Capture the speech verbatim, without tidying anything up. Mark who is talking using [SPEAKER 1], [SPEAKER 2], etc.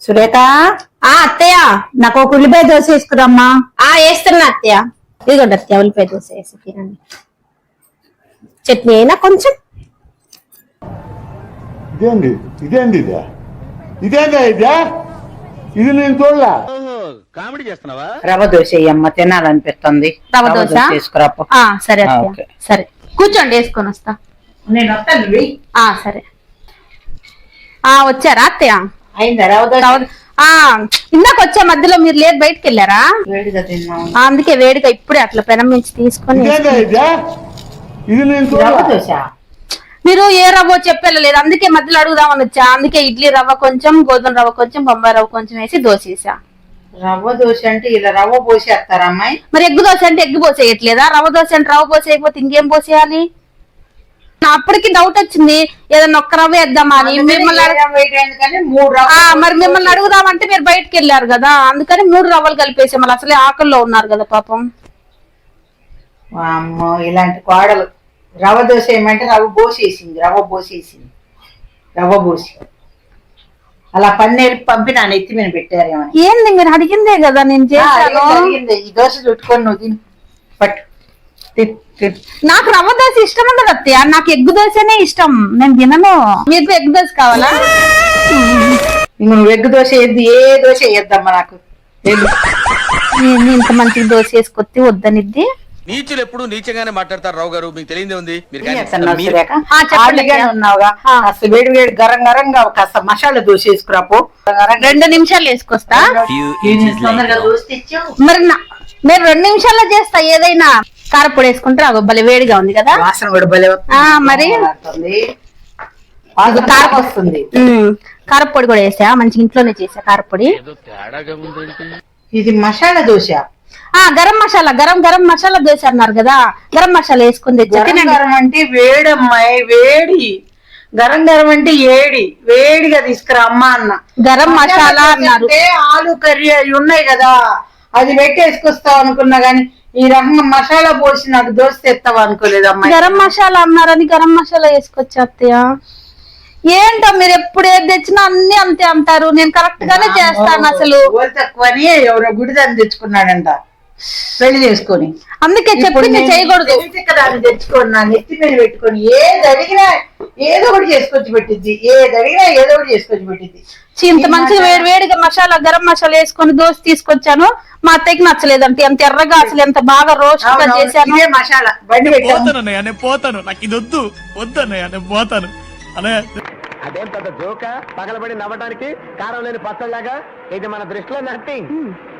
[SPEAKER 1] సురేఖ
[SPEAKER 2] ఆ అత్తయ్య
[SPEAKER 1] నాకు ఒక ఉల్లిపాయ దోశ వేసుకురమ్మా.
[SPEAKER 2] ఆ వేస్తున్నా అత్తయ్య. ఇదిగోండి అత్తయ్య ఉల్లిపాయ దోశ వేసి తినండి. చట్నీ అయినా కొంచెం.
[SPEAKER 3] ఇదేంది ఇదేంది ఇదే ఇదేందా ఇదే ఇది నేను చూడలా.
[SPEAKER 4] కామెడీ చేస్తున్నావా?
[SPEAKER 1] రవ్వ దోశ అమ్మ, తినాలనిపిస్తుంది.
[SPEAKER 2] రవ్వ దోశ
[SPEAKER 1] తీసుకురాప.
[SPEAKER 2] ఆ సరే
[SPEAKER 1] ఆ,
[SPEAKER 2] అత్తయ్య
[SPEAKER 1] ఓకే.
[SPEAKER 2] సరే కూర్చోండి వేసుకొని వస్తా.
[SPEAKER 1] నేను వస్తాను. వెయ్యి.
[SPEAKER 2] ఆ సరే. ఆ వచ్చారా అత్తయ్య?
[SPEAKER 1] అయిందా రవ్వ దోశ?
[SPEAKER 2] రవ్వ- ఆ ఇందాక వచ్చే మధ్యలో మీరు లేదు బయటకు వెళ్ళారా?
[SPEAKER 1] వేడిగా తిన్నాము.
[SPEAKER 2] ఆ, అందుకే వేడిగా ఇప్పుడే అట్లా పెనం నుంచి తీసుకొని
[SPEAKER 3] ఇదేందా ఇదే ఇది నేను
[SPEAKER 1] రవ్వ
[SPEAKER 3] చూడలా.
[SPEAKER 1] దోశ
[SPEAKER 2] మీరు ఏ రవ్వ చెప్పలేదు, అందుకే మధ్యలో అడుగుదామని వచ్చా. అందుకే ఇడ్లీ రవ్వ కొంచెం, గోధుమ రవ్వ కొంచెం, బొంబాయి రవ్వ కొంచెం వేసి దోశ వేసా.
[SPEAKER 1] రవ్వ దోశ అంటే ఇలా రవ్వ పోసేస్తారా అమ్మాయి?
[SPEAKER 2] మరి ఎగ్గు దోశ అంటే ఎగ్గు పోసేయట్లేదా? రవ్వ దోశ అంటే రవ్వ పోసేయకపోతే ఇంకేం పోసేయాలి? నా అప్పటికి డౌట్ వచ్చింది, ఏదన్నా ఒక్క రవ్వ వేద్దామా అని. మిమ్మల్ని అడగ-
[SPEAKER 1] రవ్వ వేయడానికి కానీ మూడు
[SPEAKER 2] ఆ,
[SPEAKER 1] రవ్వ
[SPEAKER 2] మరి మిమ్మల్ని అడుగుదామంటే మీరు బయటకు వెళ్ళారు కదా, అందుకని మూడు రవ్వలు కలిపేసి మళ్ళీ అసలే ఆకల్లో ఉన్నారు కదా పాపం.
[SPEAKER 1] అమ్మో ఇలాంటి కోడలు. రవ్వ దోశ ఏమంటే రవ్వ పోసేసింది, రవ్వ పోసేసింది, రవ్వ పోసి అలా పన్నీరు పంపినా ఎత్తి మీద పెట్టారేమని.
[SPEAKER 2] ఏంది మీరు అడిగిందే కదా నేను
[SPEAKER 1] ఆ,
[SPEAKER 2] చేశాను.
[SPEAKER 1] జరిగింది. ఈ దోశ చుట్టుకొని నువ్వు తిని పట్టు తిను, తిను.
[SPEAKER 2] నాకు రవ్వ దోశ ఇష్టం ఉండదు అత్తయ్య, నాకు ఎగ్గు దోశనే ఇష్టం. నేను తినను. మీకు ఎగ్గు దోశ కావాలా?
[SPEAKER 1] ఇంక నువ్వు ఎగ్గు దోశ వేద్ది, ఏ దోశ వేద్దమ్మా నాకు. ఏది?
[SPEAKER 2] నేను ఇంత మంచి దోశ వేసుకొత్తి వద్దనిద్ది.
[SPEAKER 4] నీచులు ఎప్పుడు నీచంగానే మాట్లాడతారు రావు గారు, మీకు తెలియదే ఉంది. మీరు
[SPEAKER 1] ఏం
[SPEAKER 4] కానీ-
[SPEAKER 1] చేస్తున్నావు
[SPEAKER 4] మీరు-
[SPEAKER 1] సురేఖ?
[SPEAKER 2] ఆ, చెప్పండి
[SPEAKER 1] ఖాళీగానే
[SPEAKER 2] అత్తయ్య.
[SPEAKER 1] ఉన్నావుగా,
[SPEAKER 2] ఆ.
[SPEAKER 1] కాస్త వేడి వేడి గరం గరంగా కాస్త మసాలా దోశ వేసుకురాపో.
[SPEAKER 2] రెండు నిమిషాలు వేసుకొస్తా.
[SPEAKER 1] తొందరగా దోశ తెచ్చావు.
[SPEAKER 2] మరి నా- మీరు రెండు నిమిషాల్లో చేస్తా ఏదైనా. కారపొడి వేసుకుంటే అగో భలే వేడిగా ఉంది కదా.
[SPEAKER 1] వాసన కూడా భలే వస్తుంది.
[SPEAKER 2] ఆ, మరి?
[SPEAKER 1] వస్తుంది. వాసన కారం వస్తుంది.
[SPEAKER 2] ఉమ్, కారపొడి కూడా వేసా, మంచి ఇంట్లోనే చేసా కారపొడి.
[SPEAKER 1] ఇది మసాలా దోశ.
[SPEAKER 2] ఆ గరం మసాలా, గరం గరం మసాలా దోశ అన్నారు కదా, గరం మసాలా వేసుకుని తెచ్చా.
[SPEAKER 1] గరం
[SPEAKER 2] తినండి.
[SPEAKER 1] గరం అంటే వేడమ్మాయి, వేడి. గరం గరం అంటే ఏడి, వేడిగా తీసుకురా అమ్మా అన్న.
[SPEAKER 2] గరం మసాలా
[SPEAKER 1] దోశ
[SPEAKER 2] అన్నారు.
[SPEAKER 1] అంటే ఆలు కర్రీ అవి ఉన్నాయి కదా, అది పెట్టి వేసుకొస్తావు అనుకున్నా గానీ ఈ రకంగా మసాలా పోసి నాకు దోశ తెస్తావు అనుకోలేదు అమ్మాయి.
[SPEAKER 2] గరం మసాలా అన్నారని గరం మసాలా వేసుకొచ్చా అత్తయ్య. ఏంటో మీరు ఎప్పుడు ఏది తెచ్చినా అన్ని అంతే అంటారు. నేను కరెక్ట్ గానే చేస్తాను అసలు.
[SPEAKER 1] ఓలు తక్కువని ఎవరో గుడిదాన్ని తెచ్చుకున్నాడంట పెళ్లి చేసుకొని.
[SPEAKER 2] అందుకే చెప్పింది చేయకూడదు.
[SPEAKER 1] దాన్ని తెచ్చుకొని నా నెత్తి మీద పెట్టుకొని ఏది అడిగినా ఏదో ఒకటి చేసుకొచ్చి పెట్టిద్ది, ఏది అడిగినా ఏదో ఒకటి చేసుకొచ్చి పెట్టిద్ది.
[SPEAKER 2] ఇంత మంచిగా వేడి వేడిగా మసాలా గరం మసాలా వేసుకొని దోశ తీసుకొచ్చాను. మా అత్తయ్యకి నచ్చలేదంటే ఎంత ఎర్రగా అసలు ఎంత బాగా రోస్ట్ గా
[SPEAKER 1] అవునవును,
[SPEAKER 2] చేశాను.
[SPEAKER 1] ఇదే మసాలా బండి పెట్టాను.
[SPEAKER 5] పోతానన్నయ్య నేను పోతాను, నాకు ఇది వద్దు వద్దన్నయ్య నేను పోతాను అన్నయ్య.
[SPEAKER 4] అదేం పెద్ద జోక పగలబడి నవ్వడానికి కారం లేని పచ్చళ్ళగా ఇది మన దృష్టిలో నథింగ్.